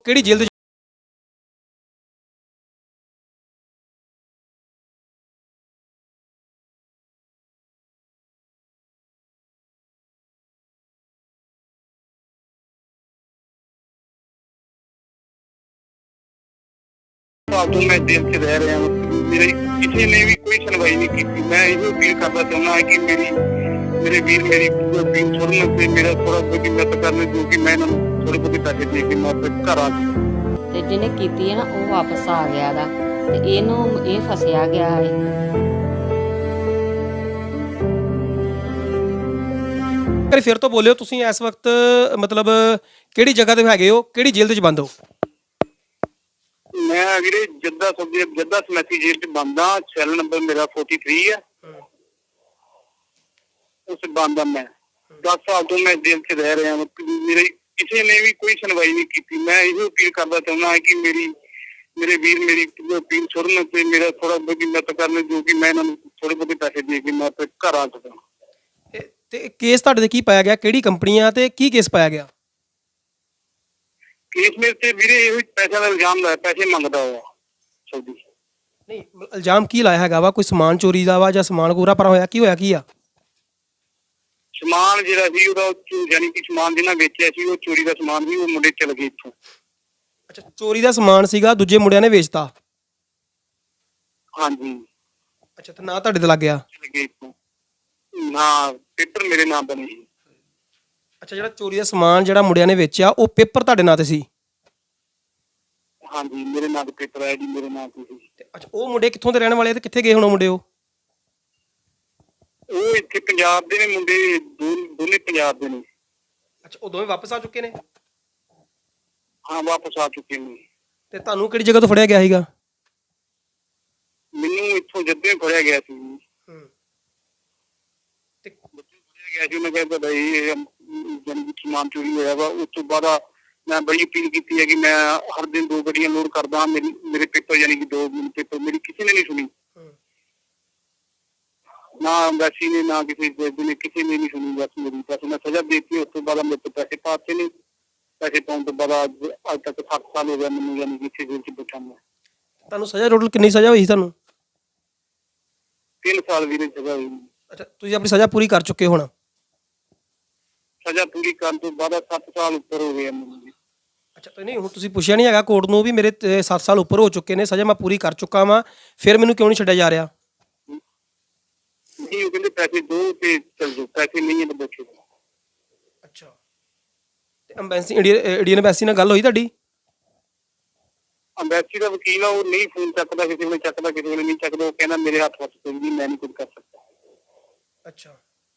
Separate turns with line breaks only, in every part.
ਕਿਹੜੀ ਜੇਲ੍ਹ ਦੇ
साल तो मैं जेल से रह रहा हूँ। मेरी किसी ने भी कोई सुनवाई नहीं की थी। मैं यही अपील करना चाहूँगा कि मेरे वीर मेरी अपील छोड़ने से मेरा थोड़ा बहुत मदद करने जो कि मैं थोड़े बहुत पैसे दे के मैं अपने घर आ जाऊँ।
ਤੇ ਜਿਹਨੇ ਕੀਤੀ ਹੈ ਨਾ ਉਹ ਵਾਪਸ ਆ ਗਿਆ ਦਾ ਤੇ ਇਹਨੂੰ ਇਹ ਫਸਿਆ ਗਿਆ ਹੈ।
ਕਰੀ ਫਿਰ ਤੋਂ ਬੋਲਿਓ ਤੁਸੀਂ ਇਸ ਵਕਤ ਮਤਲਬ ਕਿਹੜੀ ਜਗ੍ਹਾ ਤੇ ਹੈਗੇ ਹੋ, ਕਿਹੜੀ ਜੇਲ੍ਹ ਦੇ ਵਿੱਚ ਬੰਦ ਹੋ?
मैं वीरे जद्दा समैती जेल च बंद हाँ। सैल नंबर मेरा 43 है। उस बंद मैं 10 साल तो मैं जेल च रह रहा हूँ। मेरे किसी ने भी कोई सुनवाई नहीं की थी। मैं यही अपील करना चाहूँगा कि मेरे वीर मेरी अपील छोड़ने से मेरा थोड़ा बहुत मदद करने जो कि मैं थोड़े बहुत पैसे दे के मैं अपने घर आ सका।
ਤੇ ਕੇਸ ਤੁਹਾਡੇ ਤੇ ਕੀ ਪਾਇਆ ਗਿਆ, ਕਿਹੜੀ ਕੰਪਨੀ ਆ ਤੇ ਕੀ ਕੇਸ ਪਾਇਆ ਗਿਆ?
केस मेरे से वीरे ये पैसे का इल्जाम लाया, पैसे मंगता हुआ सऊदी।
ਨਹੀਂ ਇਲਜ਼ਾਮ ਕੀ ਲਾਇਆ ਹੈਗਾ ਵਾ? ਕੋਈ ਸਮਾਨ ਚੋਰੀ ਦਾ ਵਾ ਜਾਂ ਸਮਾਨ ਪੂਰਾ ਪਰ ਹੋਇਆ ਕੀ ਆ?
ਸਮਾਨ ਜਿਹੜਾ ਸੀ ਉਹਦਾ ਯਾਨੀ ਕਿ ਸਮਾਨ ਜਿਹਨਾਂ ਵੇਚਿਆ ਸੀ ਉਹ ਚੋਰੀ ਦਾ ਸਮਾਨ ਵੀ ਉਹ ਮੁੰਡੇ ਚਲ ਗਏ ਇੱਥੋਂ।
ਅੱਛਾ, ਚੋਰੀ ਦਾ ਸਮਾਨ ਸੀਗਾ, ਦੂਜੇ ਮੁੰਡਿਆਂ ਨੇ ਵੇਚਤਾ।
ਹਾਂਜੀ
ਅੱਛਾ, ਤੇ ਨਾ ਤੁਹਾਡੇ ਤੇ ਲੱਗ ਗਿਆ?
ਚਲ ਗਏ ਇੱਥੋਂ ਨਾ ਪੇਪਰ ਮੇਰੇ ਨਾਮ ਬਣੇ ਸੀ।
ਅੱਛਾ, ਜਿਹੜਾ ਚੋਰੀ ਦਾ ਸਮਾਨ ਜਿਹੜਾ ਮੁੰਡਿਆਂ ਨੇ ਵੇਚਿਆ ਉਹ ਪੇਪਰ ਤੁਹਾਡੇ ਨਾਂ ਤੇ ਸੀ?
ਹਾਂਜੀ ਮੇਰੇ ਨਾਮ ਤੇ ਪੇਪਰ ਆਇਆ ਜੀ, ਮੇਰੇ ਨਾਮ ਤੇ ਸੀ।
ਤੇ ਅੱਛਾ, ਉਹ ਮੁੰਡੇ ਕਿੱਥੋਂ ਦੇ ਰਹਿਣ ਵਾਲੇ ਤੇ ਕਿੱਥੇ ਗਏ ਹੁਣ ਉਹ ਮੁੰਡੇ?
ਉਹ ਇੱਥੇ ਪੰਜਾਬ ਦੇ ਨੇ ਮੁੰਡੇ, ਦੋਨੇ ਪੰਜਾਬ ਦੇ ਨੇ।
ਅੱਛਾ, ਉਹ ਦੋਵੇਂ ਵਾਪਸ ਆ ਚੁੱਕੇ ਨੇ?
ਹਾਂ ਵਾਪਸ ਆ ਚੁੱਕੇ ਨੇ।
ਤੇ ਤੁਹਾਨੂੰ ਕਿਹੜੀ ਜਗ੍ਹਾ ਤੋਂ ਫੜਿਆ ਗਿਆ ਸੀਗਾ?
ਮੈਨੂੰ ਇੱਥੋਂ ਜੱਦੇ ਫੜਿਆ ਗਿਆ ਸੀ।
ਤੇ
ਫੜਿਆ ਗਿਆ ਸੀ, ਉਹਨੇ ਕਿਹਾ ਤੁਹਾਡਾ ਇਹ ਯਾਨੀ ਕਿ ਸਮਾਨ ਚੋਰੀ ਹੋਇਆ ਵਾ। ਉਸ ਤੋਂ ਬਾਅਦ ਮੈਂ ਬੜੀ ਅਪੀਲ ਕੀਤੀ ਹੈ ਕਿ ਮੈਂ ਹਰ ਦਿਨ 2 ਗੱਡੀਆਂ ਲੋਡ ਕਰਦਾ। ਮੇਰੇ ਪੇਪਰ ਯਾਨੀ ਕਿ 2 ਪੇਪਰ ਮੇਰੀ ਕਿਸੇ ਨੇ ਨਹੀਂ ਸੁਣੀ, ਨਾ ਐਮਬੈਸੀ ਨੇ ਨਾ ਕਿਸੇ ਜੱਜ ਨੇ, ਕਿਸੇ ਨੇ ਨਹੀਂ ਸੁਣੀ। ਬਸ ਮੈਂ ਸਜ਼ਾ ਦੇ ਦਿੱਤੀ। ਉਸ ਤੋਂ ਬਾਅਦ ਮੇਰੇ ਤੋਂ ਪੈਸੇ ਪਾਤੇ ਨੇ। ਪੈਸੇ ਪਾਉਣ ਤੋਂ ਬਾਅਦ ਅੱਜ ਤੱਕ 7 ਸਾਲ ਹੋ ਗਿਆ ਮੈਨੂੰ ਯਾਨੀ ਕਿ ਇੱਥੇ ਜੇਲ੍ਹ 'ਚ ਬੈਠਾ ਮੈਂ।
ਤੁਹਾਨੂੰ ਸਜ਼ਾ ਟੋਟਲ ਕਿੰਨੀ ਸਜ਼ਾ ਹੋਈ ਤੁਹਾਨੂੰ?
3 ਸਾਲ ਵੀਰੇ ਸਜ਼ਾ ਹੋਈ।
ਅੱਛਾ, ਤੁਸੀਂ ਆਪਣੀ ਸਜ਼ਾ ਪੂਰੀ ਕਰ ਚੁੱਕੇ ਹੁਣ?
ਸਜ਼ਾ ਪੂਰੀ ਕਰਨ ਤੋਂ ਬਾਅਦ 7 ਸਾਲ ਉੱਪਰ ਹੋ ਗਏ ਮੈਨੂੰ।
ਅੱਛਾ, ਤੇ ਨਹੀਂ ਹੁਣ ਤੁਸੀਂ ਪੁੱਛਿਆ ਨਹੀਂ ਹੈਗਾ ਕੋਰਟ ਨੂੰ ਵੀ ਮੇਰੇ 7 ਸਾਲ ਉੱਪਰ ਹੋ ਚੁੱਕੇ ਨੇ, ਸਜ਼ਾ ਮੈਂ ਪੂਰੀ ਕਰ ਚੁੱਕਾ ਵਾਂ, ਫਿਰ ਮੈਨੂੰ ਕਿਉਂ ਨਹੀਂ ਛੱਡਿਆ ਜਾ ਰਿਹਾ?
ਨਹੀਂ ਉਹ ਕਹਿੰਦੇ ਪੈਸੇ ਦੋ ਤੇ ਚਲ ਜਾਓ, ਪੈਸੇ ਨਹੀਂ ਹੈ ਤਾਂ ਬੈਠੋ।
ਅੱਛਾ, ਤੇ ਐਮਬੈਸੀ ਇੰਡੀਅਨ ਐਮਬੈਸੀ ਨਾਲ ਗੱਲ ਹੋਈ ਤੁਹਾਡੀ?
ਅੰਬੈਸੀ ਦਾ ਵਕੀਲ ਆ, ਉਹ ਨਹੀਂ ਫੋਨ ਚੱਕਦਾ, ਕਿਸੇ ਵੇਲੇ ਚੱਕਦਾ ਕਿਸੇ ਵੇਲੇ ਨਹੀਂ ਚੱਕਦਾ। ਉਹ ਕਹਿੰਦਾ ਮੇਰੇ ਹੱਥ ਵਿੱਚ ਕੋਈ ਨਹੀਂ, ਮੈਂ ਨਹੀਂ ਕੁਝ ਕਰ ਸਕਦਾ।
ਅੱਛਾ,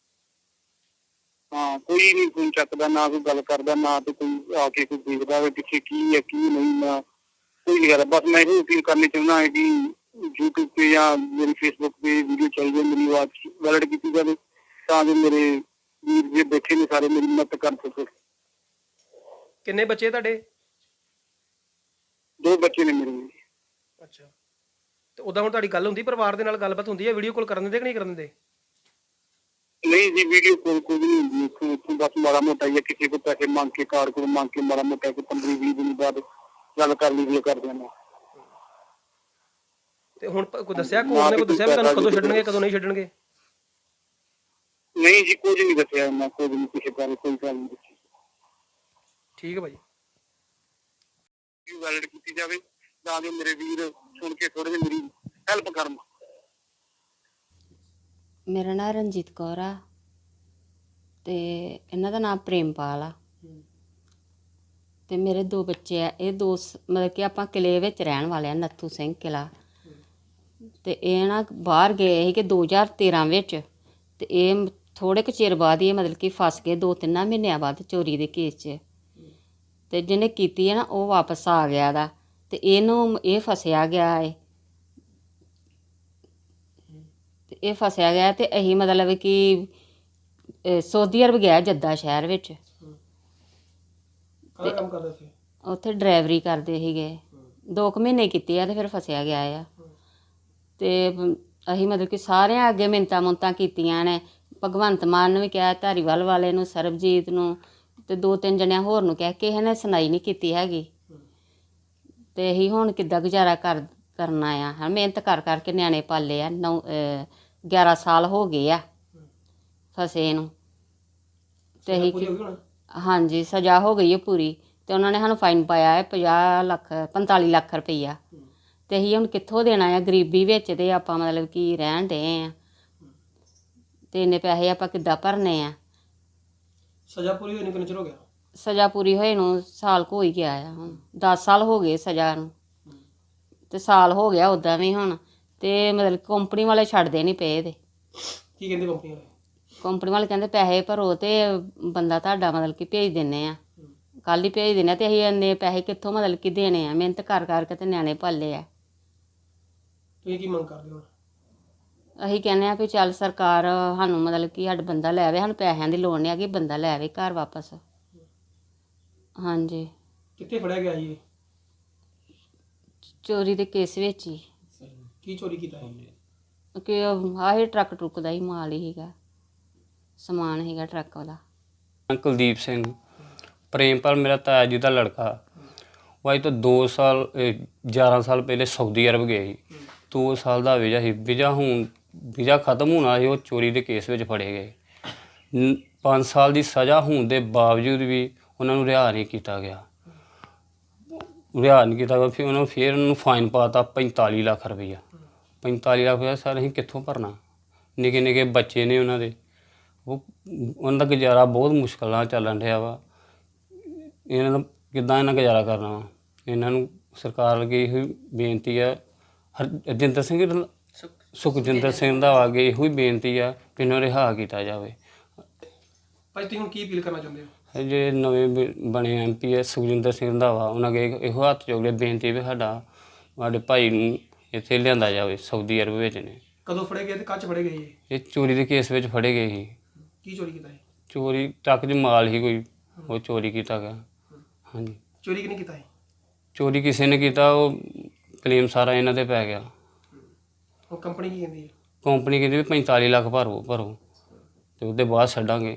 ਹਾਂ ਕੋਈ ਨਹੀਂ ਫੋਨ ਚੱਕਦਾ, ਨਾ ਕੋਈ ਗੱਲ ਕਰਦਾ, ਨਾ ਤੇ ਕੋਈ ਆ ਕੇ ਕੋਈ ਦੇਖਦਾ ਵੀ ਪਿੱਛੇ ਕੀ ਹੈ ਕੀ ਨਹੀਂ। ਨਾ ਕੋਈ ਨਹੀਂ ਕਰਦਾ। ਬਸ ਮੈਂ ਇਹ ਅਪੀਲ ਕਰਨੀ ਚਾਹੁੰਦਾ ਹਾਂ ਕਿ YouTube ਤੇ ਜਾਂ ਮੇਰੀ Facebook ਤੇ ਵੀਡੀਓ ਚੱਲ ਜਾਏ, ਮੇਰੀ ਆਵਾਜ਼ ਵੈਲਿਡ ਕੀਤੀ ਜਾਵੇ ਤਾਂ ਜੋ ਮੇਰੇ ਵੀਰ ਜੇ ਬੈਠੇ ਨੇ ਸਾਰੇ ਮੇਰੀ ਮਦਦ ਕਰ ਸਕਣ।
ਕਿੰਨੇ ਬੱਚੇ ਤੁਹਾਡੇ?
2 ਬੱਚੇ ਨੇ ਮੇਰੇ।
ਅੱਛਾ, ਤੇ ਉਦਾਂ ਹੁਣ ਤੁਹਾਡੀ ਗੱਲ ਹੁੰਦੀ ਪਰਿਵਾਰ ਦੇ ਨਾਲ, ਗੱਲਬਾਤ ਹੁੰਦੀ ਹੈ? ਵੀਡੀਓ ਕਾਲ ਕਰਨ ਦਿੰਦੇ ਕਿ ਨਹੀਂ ਕਰਨ ਦਿੰਦੇ?
ਨਹੀਂ ਜੀ ਵੀਡੀਓ ਕੋਲ ਕੋਈ ਨਹੀਂ ਹੁੰਦੀ ਇੱਥੋਂ ਬਸ ਮਾੜਾ ਮੋਟਾ ਹੀ ਕਿਸੇ ਕੋਲ ਪੈਸੇ ਮੰਗ ਕੇ, ਕਾਰਡ ਕੋਲ ਮੰਗ ਕੇ ਮਾੜਾ ਮੋਟਾ 15-20 ਦਿਨ ਬਾਅਦ ਗੱਲ ਕਰ ਲਈ ਕਰਦੇ ਨੇ।
ਤੇ ਹੁਣ ਕੋਈ ਦੱਸਿਆ ਕੋਰਟ ਨੇ, ਕੋਈ ਦੱਸਿਆ ਵੀ ਤੁਹਾਨੂੰ ਕਦੋਂ ਛੱਡਣਗੇ ਕਦੋਂ ਨਹੀਂ ਛੱਡਣਗੇ?
ਨਹੀਂ ਜੀ ਕੁਝ ਨਹੀਂ ਦੱਸਿਆ ਇਹਨਾਂ, ਕੁਝ ਨਹੀਂ ਕਿਸੇ ਬਾਰੇ ਕੋਈ ਗੱਲ ਨਹੀਂ ਦੱਸੀ।
ਠੀਕ ਹੈ ਭਾਈ,
ਵੈਲਿਡ ਕੀਤੀ ਜਾਵੇ ਤਾਂ ਜੋ ਮੇਰੇ ਵੀਰ ਸੁਣ ਕੇ ਥੋੜੇ ਜਿਹੀ ਮੇਰੀ ਹੈਲਪ ਕਰਨ।
ਮੇਰਾ ਨਾਂ ਰਣਜੀਤ ਕੌਰ ਆ ਤੇ ਇਹਨਾਂ ਦਾ ਨਾਮ ਪ੍ਰੇਮਪਾਲ ਆ ਤੇ ਮੇਰੇ 2 ਬੱਚੇ ਆ। ਇਹ 2 ਮਤਲਬ ਕਿ ਆਪਾਂ ਕਿਲੇ ਵਿੱਚ ਰਹਿਣ ਵਾਲੇ ਆ, ਨੱਥੂ ਸਿੰਘ ਕਿਲਾ। ਤੇ ਇਹ ਨਾ ਬਾਹਰ ਗਏ ਸੀ ਕਿ 2013 ਵਿੱਚ, ਤੇ ਇਹ ਥੋੜ੍ਹੇ ਕੁ ਚਿਰ ਬਾਅਦ ਹੀ ਇਹ ਮਤਲਬ ਕਿ ਫਸ ਗਏ 2-3 ਮਹੀਨਿਆਂ ਬਾਅਦ ਚੋਰੀ ਦੇ ਕੇਸ 'ਚ। ਤੇ ਜਿਹਨੇ ਕੀਤੀ ਹੈ ਨਾ ਉਹ ਵਾਪਸ ਆ ਗਿਆ ਦਾ ਤੇ ਇਹਨੂੰ ਇਹ ਫਸਿਆ ਗਿਆ ਹੈ। ਤੇ ਇਹ ਫਸਿਆ ਗਿਆ ਤੇ ਅਸੀਂ ਮਤਲਬ ਕਿ ਸਊਦੀ ਅਰਬ ਗਿਆ, ਜੱਦਾ ਸ਼ਹਿਰ ਵਿੱਚ।
ਕਾਹਦਾ ਕੰਮ ਕਰਦੇ ਸੀ?
ਉੱਥੇ ਡਰਾਈਵਰੀ ਕਰਦੇ ਸੀਗੇ। 2 ਮਹੀਨੇ ਕੀਤੇ ਆ ਤੇ ਫਿਰ ਫਸਿਆ ਗਿਆ ਆ। ਤੇ ਅਸੀਂ ਮਤਲਬ ਕਿ ਸਾਰਿਆਂ ਅੱਗੇ ਮਿੰਨਤਾਂ ਮੁੰਨਤਾਂ ਕੀਤੀਆਂ ਨੇ। ਭਗਵੰਤ ਮਾਨ ਨੂੰ ਵੀ ਕਿਹਾ, ਧਾਰੀਵਾਲ ਵਾਲੇ ਨੂੰ, ਸਰਬਜੀਤ ਨੂੰ, ਤੇ 2-3 ਜਣਿਆਂ ਹੋਰ ਨੂੰ ਕਿਹਾ, ਕਿਸੇ ਨੇ ਸੁਣਾਈ ਨਹੀਂ ਕੀਤੀ ਹੈਗੀ। ਤੇ ਅਸੀਂ ਹੁਣ ਕਿੱਦਾਂ ਗੁਜ਼ਾਰਾ ਕਰਨਾ ਆ ਹਾਂ, ਮਿਹਨਤ ਕਰ ਕਰਕੇ ਨਿਆਣੇ ਪਾਲੇ ਆ 11 ਸਾਲ ਹੋ ਗਏ ਆ ਫਸੇ ਨੂੰ। ਤੇ ਅਸੀਂ
ਪੂਰੀ ਹੋ ਗਈ ਹੁਣ?
ਹਾਂਜੀ ਸਜ਼ਾ ਹੋ ਗਈ ਹੈ ਪੂਰੀ, ਤੇ ਉਹਨਾਂ ਨੇ ਸਾਨੂੰ ਫਾਈਨ ਪਾਇਆ ਹੈ 50 ਲੱਖ 45 ਲੱਖ ਰੁਪਈਆ। ਤੇ ਅਸੀਂ ਹੁਣ ਕਿੱਥੋਂ ਦੇਣਾ ਆ, ਗਰੀਬੀ ਵਿੱਚ ਤੇ ਆਪਾਂ ਮਤਲਬ ਕਿ ਰਹਿਣ ਡਏ ਆ, ਤੇ ਇੰਨੇ ਪੈਸੇ ਆਪਾਂ ਕਿੱਦਾਂ ਭਰਨੇ ਆ।
ਸਜ਼ਾ ਪੂਰੀ ਹੋਈ ਨੂੰ ਕਿੰਨਾ ਚਿਰ ਹੋ ਗਿਆ?
ਸਜ਼ਾ ਪੂਰੀ ਹੋਏ ਨੂੰ ਸਾਲ ਕੁ ਹੋ ਹੀ ਗਿਆ ਆ, ਹੁਣ 10 ਸਾਲ ਹੋ ਗਏ ਸਜ਼ਾ ਨੂੰ, ਤੇ ਸਾਲ ਹੋ ਗਿਆ ਉੱਦਾਂ ਵੀ ਹੁਣ। ਤੇ ਮਤਲਬ ਕੰਪਨੀ ਵਾਲੇ ਛੱਡਦੇ ਨਹੀਂ ਪਏ ਤੇ
ਕੀ ਕਹਿੰਦੇ ਕੰਪਨੀ ਵਾਲੇ?
ਕੰਪਨੀ ਵਾਲੇ ਕਹਿੰਦੇ ਪੈਸੇ ਭਰੋ ਤੇ ਬੰਦਾ ਤੁਹਾਡਾ ਮਤਲਬ ਕਿ ਭੇਜ ਦਿੰਦੇ ਆ, ਕੱਲ੍ਹ ਹੀ ਭੇਜ ਦਿੰਦੇ ਆ। ਤੇ ਅਸੀਂ ਇੰਨੇ ਪੈਸੇ ਕਿੱਥੋਂ ਮਤਲਬ ਕਿ ਦੇਣੇ ਆ, ਮਿਹਨਤ ਕਰ ਕਰਕੇ ਤੇ ਨਿਆਣੇ ਪਾਲੇ ਆ।
ਤੁਸੀਂ ਕੀ ਮੰਗ ਕਰਦੇ ਹੋ?
ਅਸੀਂ ਕਹਿੰਦੇ ਆ ਵੀ ਚੱਲ ਸਰਕਾਰ ਸਾਨੂੰ ਮਤਲਬ ਕਿ ਸਾਡਾ ਬੰਦਾ ਲੈ ਆਵੇ, ਸਾਨੂੰ ਪੈਸਿਆਂ ਦੀ ਲੋੜ ਨਹੀਂ ਹੈਗੀ, ਬੰਦਾ ਲੈ ਆਵੇ ਘਰ ਵਾਪਸ। ਹਾਂਜੀ
ਕਿੱਥੇ ਫੜਿਆ ਗਿਆ ਜੀ ਇਹ?
ਚੋਰੀ ਦੇ ਕੇਸ ਵਿੱਚ ਹੀ,
ਕੀ ਚੋਰੀ ਕੀਤਾ ਹੈ?
ਕਿ ਆਹੀ ਟਰੱਕ ਟਰੁੱਕ ਦਾ ਹੀ ਮਾਲ ਹੀ ਹੈਗਾ, ਸਮਾਨ ਹੈਗਾ ਟਰੱਕ ਵਾਲਾ।
ਕੁਲਦੀਪ ਸਿੰਘ ਪ੍ਰੇਮਪਾਲ ਮੇਰਾ ਤਾਇਆ ਜੀ ਦਾ ਲੜਕਾ। ਉਹ ਅੱਜ ਤੋਂ 2 ਸਾਲ 11 ਸਾਲ ਪਹਿਲੇ ਸਾਊਦੀ ਅਰਬ ਗਏ ਸੀ। 2 ਸਾਲ ਦਾ ਵੀਜ਼ਾ ਸੀ, ਵੀਜ਼ਾ ਖਤਮ ਹੋਣਾ ਸੀ, ਉਹ ਚੋਰੀ ਦੇ ਕੇਸ ਵਿੱਚ ਫੜੇ ਗਏ। 5 ਸਾਲ ਦੀ ਸਜ਼ਾ ਹੋਣ ਦੇ ਬਾਵਜੂਦ ਵੀ ਉਹਨਾਂ ਨੂੰ ਰਿਹਾ ਨਹੀਂ ਕੀਤਾ ਗਿਆ। ਫਿਰ ਉਹਨਾਂ ਨੂੰ ਫਾਈਨ ਪਾਤਾ 45 ਲੱਖ ਰੁਪਈਆ। 45 ਲੱਖ ਰੁਪਈਆ ਸਰ ਅਸੀਂ ਕਿੱਥੋਂ ਭਰਨਾ? ਨਿੱਕੇ ਨਿੱਕੇ ਬੱਚੇ ਨੇ ਉਹਨਾਂ ਦੇ, ਉਹਨਾਂ ਦਾ ਗੁਜ਼ਾਰਾ ਬਹੁਤ ਮੁਸ਼ਕਿਲ ਨਾਲ ਚੱਲਣ ਰਿਹਾ ਵਾ। ਇਹਨਾਂ ਦਾ ਕਿੱਦਾਂ ਇਹਨਾਂ ਗੁਜ਼ਾਰਾ ਕਰਨਾ ਵਾ? ਇਹਨਾਂ ਨੂੰ ਸਰਕਾਰ ਅੱਗੇ ਇਹੋ ਬੇਨਤੀ ਆ, ਸੁਖਜਿੰਦਰ ਸਿੰਘ ਦਾ ਅੱਗੇ ਇਹੋ ਹੀ ਬੇਨਤੀ ਆ ਕਿ ਇਹਨਾਂ ਨੂੰ ਰਿਹਾ ਕੀਤਾ ਜਾਵੇ।
ਭਾਈ ਤੁਸੀਂ ਹੁਣ ਕੀ ਅਪੀਲ ਕਰਨਾ ਚਾਹੁੰਦੇ ਹੋ?
ਜੇ ਨਵੇਂ ਬਣੇ MP ਹੈ ਸੁਖਜਿੰਦਰ ਸਿੰਘ ਦਾ ਵਾ, ਉਹਨਾਂ ਅੱਗੇ ਇਹੋ ਹੱਥ ਜੋੜ ਬੇਨਤੀ ਵੀ ਸਾਡੇ ਭਾਈ ਨੂੰ ਇੱਥੇ ਲਿਆਂਦਾ ਜਾਵੇ। ਸਾਊਦੀ ਅਰਬ ਵਿੱਚ ਨੇ।
ਕਦੋਂ ਫੜੇ ਗਏ ਤੇ ਕੱਚ ਫੜੇ ਗਏ ਇਹ?
ਇਹ ਚੋਰੀ ਦੇ ਕੇਸ ਵਿੱਚ ਫੜੇ ਗਏ ਸੀ।
ਕੀ ਚੋਰੀ ਕੀਤਾ ਹੈ?
ਚੋਰੀ ਟਰੱਕ 'ਚ ਮਾਲ ਹੀ ਕੋਈ, ਉਹ ਚੋਰੀ ਕੀਤਾ ਗਿਆ। ਹਾਂਜੀ
ਚੋਰੀ ਕਿਹਨੇ ਕੀਤਾ ਹੈ?
ਚੋਰੀ ਕਿਸੇ ਨੇ ਕੀਤਾ, ਉਹ ਕਲੇਮ ਸਾਰਾ ਇਹਨਾਂ ਤੇ ਪੈ ਗਿਆ।
ਉਹ ਕੰਪਨੀ ਕੀ ਕਹਿੰਦੀ ਹੈ?
ਕੰਪਨੀ ਕਹਿੰਦੀ ਵੀ 45 ਲੱਖ ਭਰੋ ਤੇ ਉਹਦੇ ਬਾਅਦ ਛੱਡਾਂਗੇ।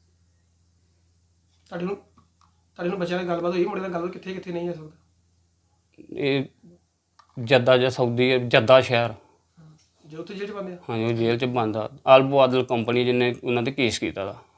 ਤੁਹਾਡੇ ਨੂੰ ਬੱਚਿਆਂ ਨਾਲ ਗੱਲਬਾਤ ਹੋਈ? ਮੁੰਡੇ ਨਾਲ ਗੱਲਬਾਤ ਕਿੱਥੇ ਕਿੱਥੇ ਨਹੀਂ ਹੋ ਸਕਦਾ?
ਇਹ ਜੱਦਾ ਜਾਂ ਸਾਊਦੀ ਜੱਦਾ ਸ਼ਹਿਰ,
ਜੇ ਉੱਥੇ ਜੇਲ੍ਹ 'ਚ ਬੰਦੇ ਆ?
ਹਾਂਜੀ ਉਹ ਜੇਲ੍ਹ 'ਚ ਬੰਦ ਆ। ਅਲਬੋ ਆਦਲ ਕੰਪਨੀ ਜਿਹਨੇ ਉਹਨਾਂ ਤੇ ਕੇਸ ਕੀਤਾ ਦਾ।